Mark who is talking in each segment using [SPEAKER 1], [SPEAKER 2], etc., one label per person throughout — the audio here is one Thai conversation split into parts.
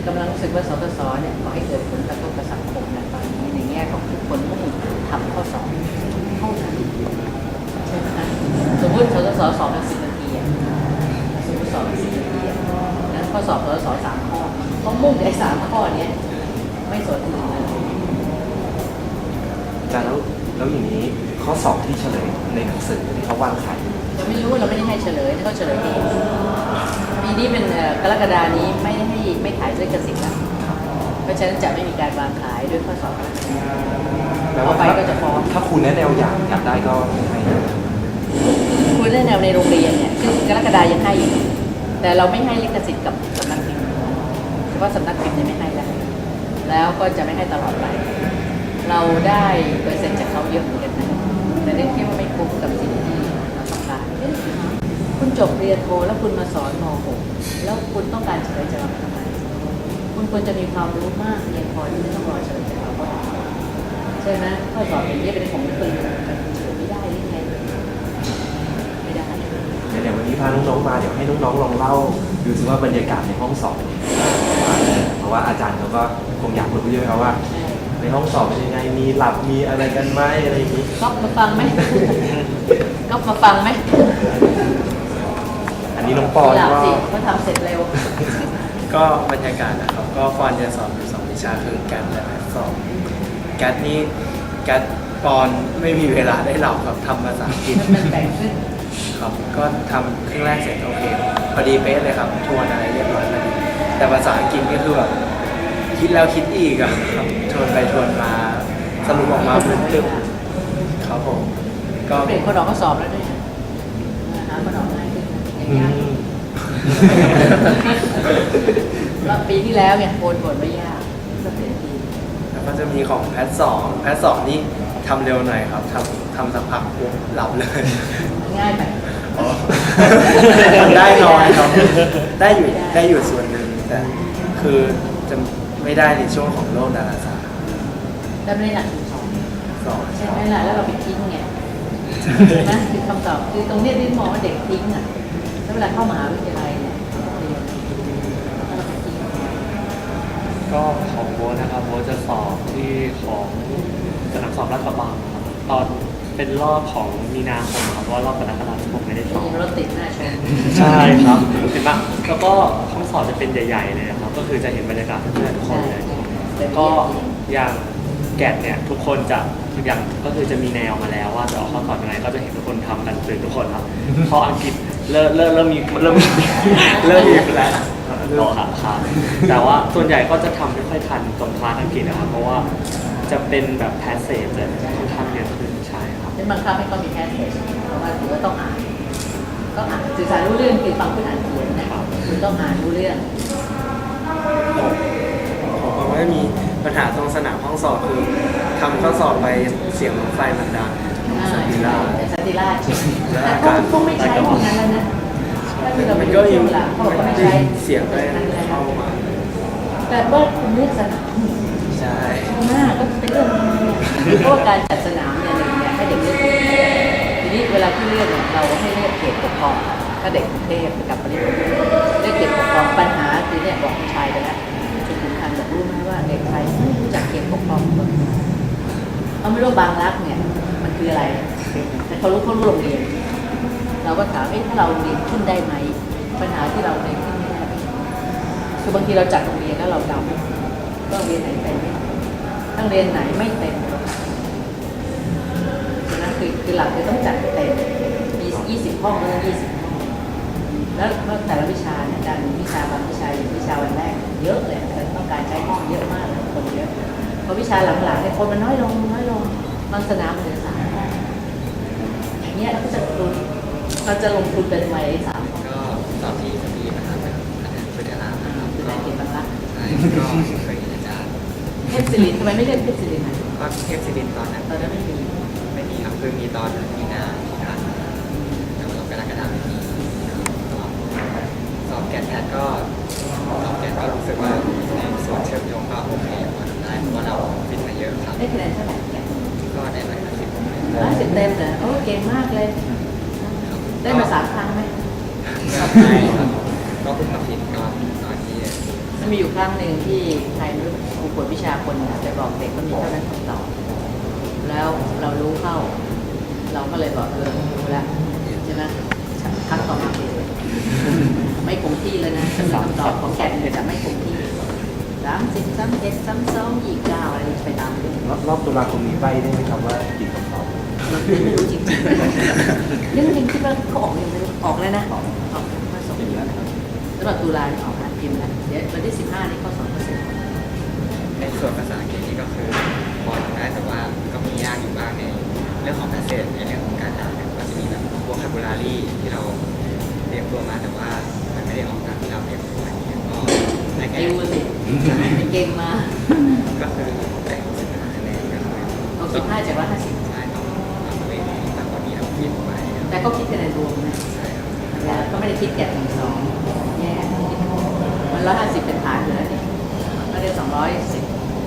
[SPEAKER 1] กำลังรู้สึกว่าสทศเนี่ยขอให้เกิดผลกระทบกับสังคมนะตอนนี้ในแง่ของทุกคนมุ่งทำข้อสอบเท่านั้นใช่ไหมคะสมมติสทศสอบเป็น10 นาทีสมมติสอบเป็น10 นาทีนั้นข้อสอบสทศ3 ข้อเขามุ่งไอ้3 ข้อนี้ไม่สนอื่นเลย
[SPEAKER 2] อาจารย์แล้วอย่างนี้ข้อสอบที่เฉลยในหนังสือที่เขาวางขาย
[SPEAKER 1] จะไม่รู้เราไม่ได้ให้เฉลยเขาเฉลยเองปีนี้เป็นกรกฎานี้ไม่ขายลิขสิทธิ์แล้วเพราะฉะนั้นจะไม่มีการวางขายด้วยข้อสอบต่อไปก็จะฟ้อง
[SPEAKER 2] ถ้าคุณแนะแนวอยากได้ก็ให้
[SPEAKER 1] คุณแนะแนวในโรงเรียนเนี่ยคือกรกฎายังให้อยู่แต่เราไม่ให้ลิขสิทธิ์กับสำนักพิมพ์เฉพาะสำนักพิมพ์เนี่ยไม่ให้แล้วก็จะไม่ให้ตลอดไปเราได้เปอร์เซ็นต์จากเขาเยอะเหมือนกันนะแต่เรื่องที่ว่าไม่คุ้มกับสิ่งที่เราต้องการคุณจบเรียนโทแล้วคุณมาสอนม .6 แล้วคุณต้องการเฉลยจากเราทำไมคุณควรจะมีความรู้มากเรียนพอที่ไม่ต้องรอเฉลยจากเราก็ได้ใช่ไหมข้อสอบอย่างนี้เป็นของคุณเฉลยไม่ได้หรือไงไม่ได้
[SPEAKER 2] เดี๋ยววันนี้พาน้องๆมาเดี๋ยวให้น้องๆลองเล่าดูสิว่าบรรยากาศในห้องสอบเพราะว่าอาจารย์เขาก็คงอยากรู้เยอะครับว่าในห้องสอบเป็นยังไงมีหลับมีอะไรกันไหมอะไรอย่างนี้
[SPEAKER 1] ก๊อฟมาฟังไหมก๊อฟมาฟังไหม
[SPEAKER 2] อันนี้น้องปอน
[SPEAKER 1] ก็เขาทำเสร็จเร็ว
[SPEAKER 3] ก็บรรยากาศนะครับก็ปอนจะสอนอยู่2 วิชาคือแกดและสอบแกดนี่แกดปอนไม่มีเวลาได้หลับครับทำภาษาอังกฤษ
[SPEAKER 1] มันแบ่งขึ้น
[SPEAKER 3] ครับก็ทำครึ่งแรกเสร็จโอเคพอดีเป๊ะเลยครับทวนอะไรเรียบร้อยแล้วแต่ภาษาอังกฤษก็คือแบบคิดแล้วคิดอีกครับทวนไปทวนมาสรุปออกมาเป็นตึ๊บครับผม
[SPEAKER 1] ก็เปลี่ยนคนออกก็สอบแล้วด้วยหาคนออกง่ายขึ้นแล้วปีที่แล้วเนี่ยโอนไม่ยากก็เปลี่ยนที
[SPEAKER 3] แล้วก็จะมีของแพทสองนี่ทำเร็วหน่อยครับทำสักพักปุ๊บหลับเลย
[SPEAKER 1] ง่ายไป
[SPEAKER 3] ได้น้อยครับได้อยู่ส่วนหนึ่งแต่คือจะไม่ได้ในช่วงของโลกดาราศาสตร์
[SPEAKER 1] ได้ไม่ได้หลักสองใช่ไหมล่ะแล้วเราไปทิ้งไงนะคือคำตอบคือตรงนี้ที่มองว่าเด็กทิ้งอ่ะแล้วเวลาเข้ามหาวิทยาลัยเนี่ย
[SPEAKER 4] ก็ของโบนะครับโบจะสอบที่ของสนามสอบรัฐบาลครับตอนเป็นรอบของมีนาคมครับเพราะว่ารอบกรกฎาคมผมไม่ได้สอบ
[SPEAKER 1] รถติดหน้าชม
[SPEAKER 4] ใช่ครับเห็นปะแล้วก็ห้องสอบจะเป็นใหญ่ๆเลยครับก็คือจะเห็นบรรยากาศเพื่อนๆทุกคนเลยก็อย่างแกดเนี่ยทุกคนจะอย่างก็คือจะมีแนวมาแล้วว่าจะออกข้อสอบยังไงก็จะเห็นทุกคนทำกันตื่นทุกคนครับพออังกฤษเริ่มมีแล้วต่อครับแต่ว่าส่วนใหญ่ก็จะทำไม่ค่อยทันตรงคลาสอังกฤษนะครับเพราะว่าจะเป็นแบบแพสเซจจะค่อนข้างเยอะขึ้นใช่ครับ
[SPEAKER 1] เป็นบางครั้งไม่ก็มีแพสเซจเพราะว่าถือว่าต้องอ่านสื่อสารรู้เรื่องคือฟังเพื่อนอ่านเขียนนะครับคุณต้องอ่านรู้เรื่อง
[SPEAKER 3] ผมว่ามีปัญหาตรงสนามห้องสอบคือทำข้อสอบไปเสียงรถไฟมันดัง
[SPEAKER 1] สันติราชเขาคงไม่ใช้พวกนั้นแล้วนะ
[SPEAKER 3] มันก็มีเสียงด้วยเข้ามา
[SPEAKER 1] แต่ว่าคุณเลือกสนาม
[SPEAKER 3] ใช่
[SPEAKER 1] มากก็เป็นเรื่องเพราะการจัดสนามเนี่ยให้เด็กเลือกทีนี้เวลาที่เลือกเนี่ยเราให้เลือกเขตปกครองถ้าเด็กกรุงเทพกับปริมณฑลเลือกเขตปกครองปัญหาคือเนี่ยบอกผู้ชายไปแล้วจุดสำคัญแบบรู้ไหมว่าเด็กไทยไม่รู้จักเขตปกครองเขาไม่รู้บางรักเนี่ยมันคืออะไรแต่เขารู้โรงเรียนเราก็ถามถ้าเราเรียนขึ้นได้ไหมปัญหาที่เราเรียนขึ้นไม่ได้คือบางทีเราจัดโรงเรียนแล้วเราเดาก็เรียนไหนเต็มต้องเรียนไหนไม่เต็มฉะนั้นคือหลักคือต้องจัดเต็มมี20 ห้องแล้ว20 ห้องแล้วแต่ละวิชาเนี่ยการวิชาบางวิชาอย่างวิชาวันแรกเยอะเลยต้องการใช้ห้องเยอะมากคนเยอะพอวิชาหลังๆเนี่ยคนมันน้อยลงบางสนามมันเหลือ3 ห้องอย่างเงี้ยเราจะลงทุนเป็นไว้3 ห้อง
[SPEAKER 5] ก็สอบที่จะมีนะครับพุทธรามนะครับ
[SPEAKER 1] คือได้เก็บบ้างละ
[SPEAKER 5] ใช่ก็เคยเห็นอาจารย์
[SPEAKER 1] เทพศิรินทร์ทำไมไม่เรียกเทพศิรินทร์
[SPEAKER 5] ก็เทพศิรินทร์ตอนนั้น
[SPEAKER 1] ไม่มี
[SPEAKER 5] ครับคือมีตอนมีนาที่ผ่านมาแต่ว่าเรากรกฎาคมไม่มีสอบแกดแพทก็สอบแกดก็รู้สึกว่าในส่วนเชื่อมโยงก็โอเคพอทำได้เพราะว่าเราฟิตมาเยอะครับ
[SPEAKER 1] ได้คะแนนเท่าไหร่
[SPEAKER 5] ก็ได้
[SPEAKER 1] 150 เต็มเลยโอ้เก่งมากเลยได้มา3 ครั้งไหม
[SPEAKER 5] ไม่ครับก็เพิ่งมาฟิตตอนที่
[SPEAKER 1] มันมีอยู่ครั้งหนึ่งที่ใครไม่รู้ครูกวดวิชาคนน่ะไปบอกเด็กว่ามีเท่านั้นคำตอบแล้วเรารู้เข้า เราก็เลยบอกรู้แล้วใช่ไหมครั้งต่อมาเปลี่ยนไม่คงที่เลยนะคำตอบของแกนเนี่ยจะไม่คงที่30 31 32 29อะไรไปตามเรื่อง
[SPEAKER 2] รอบตุลาคมนี้ใบได้ไหมครับว่ากี่คำตอบ
[SPEAKER 1] เราไม่รู้จริงๆเรื่องคิดว่าเขาออกยังไม่รู้ออกแล้วนะออกมาส่งแล้วสำหรับตุลาออกมาพิมพ์แล้วเดี๋ยววันที่15นี่เขาสอนเปอร์เซ็นต์
[SPEAKER 5] ในส่วนภาษาอังกฤษนี่ก็คือพอทำได้แต่ว่าก็มียากอยู่บ้างในเรื่องของ passage ในเรื่องของการอ่านเนี่ยก็จะมีแบบ vocabulary ที่เราเตรียมตัวมาแต่ว่ามันไม่ได้ออกตามที่เราเตรียมตัวอย่างเงี้ยก็ได้แค่
[SPEAKER 1] ติวสิเก่งมา
[SPEAKER 5] ก็คือได้65คะแนนก็คือ
[SPEAKER 1] เอา15จาก150
[SPEAKER 5] ใช่ต้องทำตัวเองให้มากกว่านี้เราคิดไว้ครับ
[SPEAKER 1] แต่ก็คิดคะแนนรวมนะ
[SPEAKER 5] ใช่ครับ
[SPEAKER 1] แต่ก็ไม่ได้คิดแกะ1 2แย่มัน150เป็นฐานอยู่แล้วนี่ก็ได้210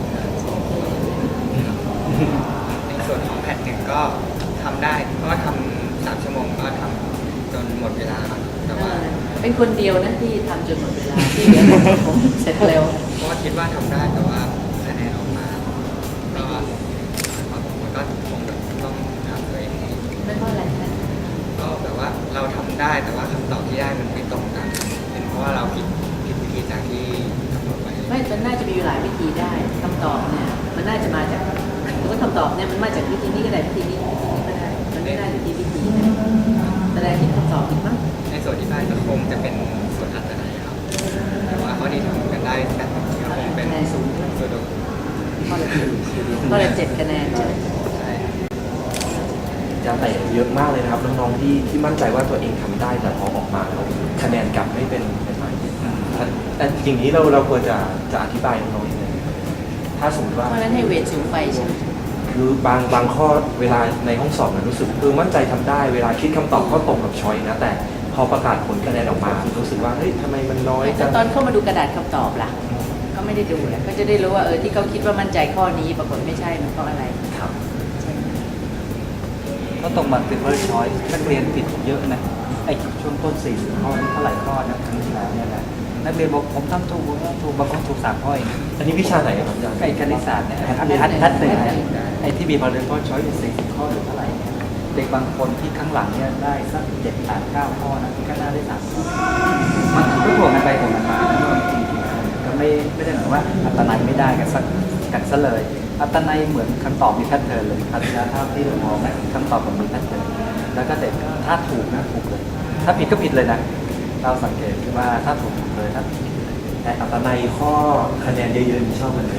[SPEAKER 5] ในส่วนของแพทหนึ่งก็ทำได้เพราะว่าทำ3 ชั่วโมงก็ทำจนหมดเวลาครับแต่ว่า
[SPEAKER 1] เป็นคนเดียวนะที่ทำจนหมดเวลาที่เหลือผมเสร็จเร็ว
[SPEAKER 5] เพราะว่าคิดว่าทำได้แต่ว่าคะแนนออกมาก็มันก็คงแบบต้องทำตัวเองให้
[SPEAKER 1] ไม่เพราะอะไรนะ
[SPEAKER 5] ก็แบบว่าเราทำได้แต่ว่าคำตอบที่ได้มันไม่ตรงกันเป็นเพราะว่าเราผิดวิธีจากที่กำหนดไว้
[SPEAKER 1] ไม่มันน่าจะมีอยู่หลายวิธีได้คำตอบเนี่ยมันน่าจะมาจากหรือว่าคำตอบเนี่ยมันมาจากวิธีนี้ก็ได้วิธีนี้วิธีนี้ก็ได้มันไม่ได้อยู่ที่วิธีนะแสดงที่คำตอบผิดมั้ง
[SPEAKER 5] ในส่วนที่ได้ก็คงจะเป็นส่วนอัตนัยครับแต่ว่าข้อที่ทำกันได้แบบนี้ก็คงเป็น
[SPEAKER 1] คะแนนสูงใช่ไหม
[SPEAKER 5] ส่วน
[SPEAKER 1] ข้อละ7 คะแนนใช่ไหม
[SPEAKER 5] ใช่
[SPEAKER 2] จะแต่เยอะมากเลยนะครับน้องๆที่มั่นใจว่าตัวเองทำได้แต่พอออกมาแล้วคะแนนกลับไม่เป็นไรแต่อย่างนี้เราควรจะอธิบายน้องๆยังไงถ้าสมมติว่า
[SPEAKER 1] เพราะฉะนั้นให้เวทสูงไปใช่ไหม
[SPEAKER 2] คือบางข้อเวลาในห้องสอบมันรู้สึกมั่นใจทำได้เวลาคิดคำตอบก็ตรงกับช้อยนะแต่พอประกาศผลคะแนนออกมารู้สึกว่าเฮ้ยทำไมมันน้อยจั
[SPEAKER 1] แต่
[SPEAKER 2] ง
[SPEAKER 1] ตอนเข้ามาดูกระดาษคำตอบล่ะก็ไม่ได้ดูแหละก็จะได้รู้ว่าที่เขาคิดว่ามั่นใจข้อนี้ปรากฏไม่ใช่มันเพราะอะไร
[SPEAKER 2] ครับ
[SPEAKER 1] ใช่ไหม
[SPEAKER 6] ก็ตรง multiple choice นักเรียนผิดเยอะนะไอ้ช่วงต้น40 ข้อนี่เท่าไหร่ข้อนะครั้งที่แล้วเนี่ยนะนักเรียนบอกผมทำถูกบางคนถูก3 ข้อเอง
[SPEAKER 2] อันนี้วิชาไหนครับอาจารย์
[SPEAKER 6] ไอ้คณิตศาสตร์เนี่ยทัดหนึ่งเนี่ยไอ้ที่มี multiple choice 40 ข้อหรือเท่าไหร่เนี่ยเด็กบางคนที่ข้างหลังเนี่ยได้สัก7 8 9 ข้อนะที่ข้างหน้าได้3 ข้อมันก็ถ่วงกันไปถ่วงกันมาแล้วจริงๆก็ไม่ได้หมายว่าอัตนัยไม่ได้กันซะเลย อัตนัยเหมือนคำตอบมีแพทเทิร์นเลยคณิตศาสตร์ที่เรามองนะคำตอบมันมีแพทเทิร์นแล้วก็เด็กถ้าถูกนะถูกเลย ถ้าผิดก็ผิดเลยนะ เราสังเกตว่าถ้าถูกเลยถ้าผิดเลย
[SPEAKER 2] แต่อัตนัยข้อคะแนนเยอะๆนี่ชอบกันเลย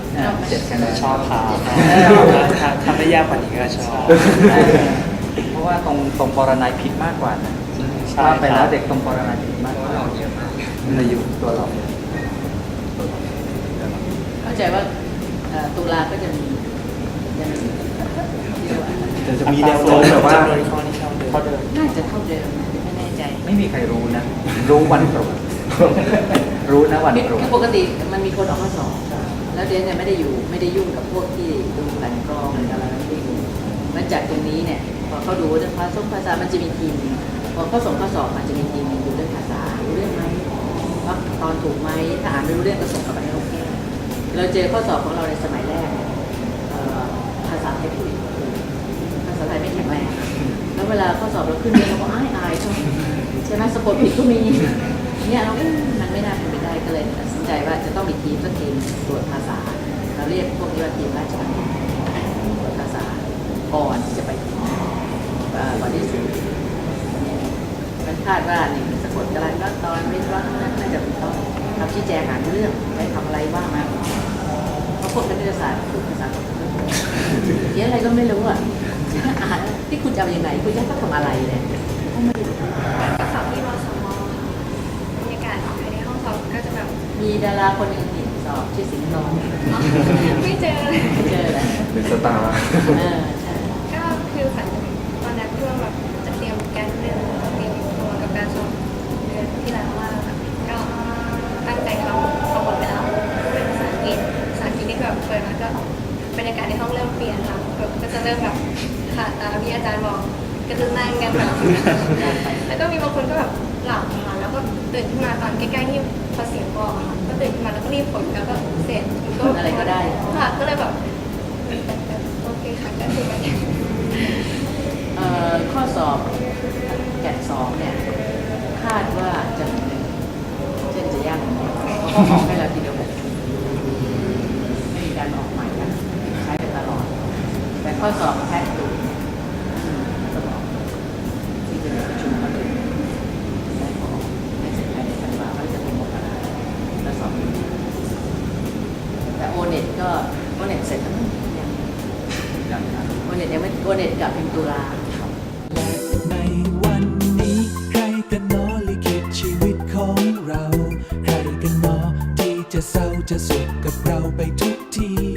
[SPEAKER 6] 7 คะแนน
[SPEAKER 4] ชอบครับทำได้ยากกว่านี้ก็ชอบ
[SPEAKER 6] เพราะว่าตรงปรนัยผิดมากกว่านะ
[SPEAKER 4] ใช่
[SPEAKER 6] ว่าไป
[SPEAKER 4] ค
[SPEAKER 6] แล้
[SPEAKER 4] รั
[SPEAKER 6] ว
[SPEAKER 4] บ
[SPEAKER 6] เด็กตรงปรนัยผิด
[SPEAKER 5] เพ
[SPEAKER 6] มาก
[SPEAKER 5] ราะ
[SPEAKER 6] ก
[SPEAKER 5] ว่า
[SPEAKER 6] ว่า
[SPEAKER 5] เราเยอะมาก
[SPEAKER 6] ในอยู่ตัวเรา
[SPEAKER 1] เข้าใจว่าตุลาก็จะมีเรียกว่า
[SPEAKER 2] จะมีแนวโน้มแบบว่า
[SPEAKER 4] จำนวนข้อที่เท่าเดิม
[SPEAKER 1] น่าจะเท่าเดิมนะไม่แน่ใจ
[SPEAKER 6] ไม่มีใครรู้นะ รู้วันตรวจรู้นะวันตรวจ
[SPEAKER 1] คือปกติมันมีคนออกมาสอบแล้วเดนเนี่ยไม่ได้ยุ่งกับพวกที่ดูกันกรองหรืออะไรไม่ได้ดูมันจากตรงนี้เนี่ยพอเขาดูเรื่องภาษามันจะมีทีมพอเขาส่งข้อสอบมันจะมีทีมดูเรื่องภาษารู้เรื่องไหมว่าตอนถูกไหมถ้าอ่านไม่รู้เรื่องก็ส่งกลับไปให้เราแก้เราเจอข้อสอบของเราในสมัยแรกภาษาไทยพูดภาษาไทยไม่แข็งแรงแล้วเวลาข้อสอบเราขึ้นเนี่ยเราก็อายใช่ไหมสะกดผิดก็มีเนี่ยเรามันไม่น่าเป็นไปได้ก็เลยตัดสินใจว่าจะต้องมีทีมสักทีมตรวจภาษาเราเรียกพวกนี้ว่าทีมราชบัณฑิตตรวจภาษาก่อนที่จะไปถึงวันที่สุดมันคาดว่านี่สะกดกระไรก็ตอนวิศวะนั้นน่าจะต้องทำชี้แจงอ่านเรื่องไปทำอะไรบ้างมาเพราะพวกคณิตศาสตร์พูดภาษาเขียนอะไรก็ไม่รู้อ่ะอ่านที่คุณจะเอายังไงคุณจะต้องทำอะไรเนี่ยก็ไม่รู้
[SPEAKER 7] สอบที่มสมบรรยากาศภายในห้องสอบก็จะแบบ
[SPEAKER 1] มีดาราคนหนึ่งติดสอบชื่อสิงห์ทอง
[SPEAKER 7] ไม่เจอ
[SPEAKER 1] ไม่เจอแล้ว
[SPEAKER 2] เป็นสตาร์
[SPEAKER 1] ใช่
[SPEAKER 7] ก็คือฝันตอนนั้นเพื่อแบบจะเตรียมการเรียนเตรียมตัวกับการสอบเดือนที่แล้วว่าก็ตั้งใจทำหมดแล้วเป็นภาษาอังกฤษนี่แบบเปิดมาก็บรรยากาศในห้องเริ่มเปลี่ยนค่ะแบบก็จะเริ่มแบบขาดตาพี่อาจารย์บอกก็จะนั่งกันแบบแล้วก็มีบางคนก็แบบหลับค่ะแล้วก็ตื่นขึ้นมาตอนใกล้ๆที่พอเสียงบอกค่ะก็ตื่นขึ้นมาแล้วก็รีบผลแล้วก็เสร็จ
[SPEAKER 1] ผลอะไรก็ได้
[SPEAKER 7] ค่ะก็เลยแบบโอเคค่ะก็คือมัน
[SPEAKER 1] ข้อสอบแกะ2เนี่ยคาดว่าจะเช่นจะยากกว่านี้เพราะเขาออกให้เราทีเดียว6ชุดไม่มีการออกใหม่นะใช้ไปตลอด แต่ข้อสอบแพทย์ดูสมองที่จะมีประชุมกันได้ขอให้เสร็จภายในธันวาคมจะเป็นมกราและสอบแต่โอเน็ตเสร็จแล้วมั้งยังโอเน็ตยังไม่โอเน็ตกับพิมพ์ตุลา
[SPEAKER 8] ในวันนี้ใครกันหนอลิขิตชีวิตของเรา ใครกันหนอที่จะเศร้าจะสุขกับเราไปทุกที